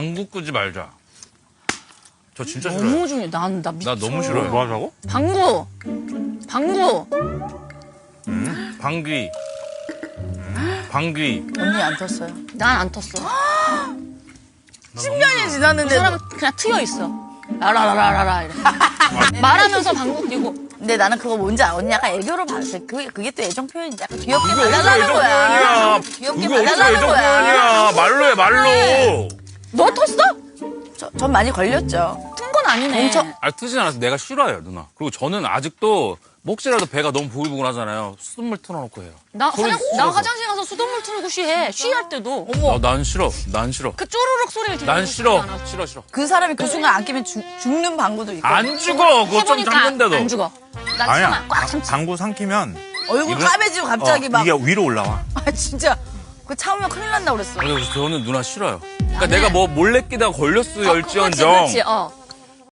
방구 끄지 말자. 저 진짜 싫어요. 너무 중요해. 나 미쳐. 나 너무 싫어요. 뭐 하자고? 방구. 방귀. 방귀. 언니 안 텄어요. 난 안 텄어. 10년이 그 지났는데. 사람은 그냥 트여 있어. 라라라라라 이래. 말하면서 방구 끼고. 근데 나는 그거 뭔지 알아. 언니 약간 애교로 봤을 때 그게 또 애정 표현이 약간 귀엽게 그게 어디서 봐달라는 애정 거야. 표현이야. 귀엽게 그게 어디서 봐달라는 애정 거야. 표현이야. 말로 해, 말로. 너 텄어? 전 많이 걸렸죠. 튼 건 아니네. 엄청- 아, 트진 않아서 내가 싫어요, 누나. 그리고 저는 아직도 뭐 혹시라도 배가 너무 보글보글 하잖아요. 수돗물 틀어놓고 해요. 나 소리 화장, 나 싫어서. 화장실 가서 수돗물 틀고 쉬해. 쉬할 때도. 난 싫어. 난 싫어. 그 쪼르륵 소리를 들으면 난 싫어. 싫어. 그 사람이 그 순간 안 끼면 죽는 방구도 있고. 안 죽어. 그거 좀 해보니까 참는데도. 안 죽어. 난 아니야. 참아. 꽉 참지. 방구 삼키면 얼굴 이거- 까매지고 갑자기 막. 이게 위로 올라와. 아, 진짜. 그거 참으면 큰일 난다 그랬어. 그래서 저는 누나 싫어요. 그러니까 내가 뭐 몰래 끼다가 걸렸어, 열지언정. 그렇지.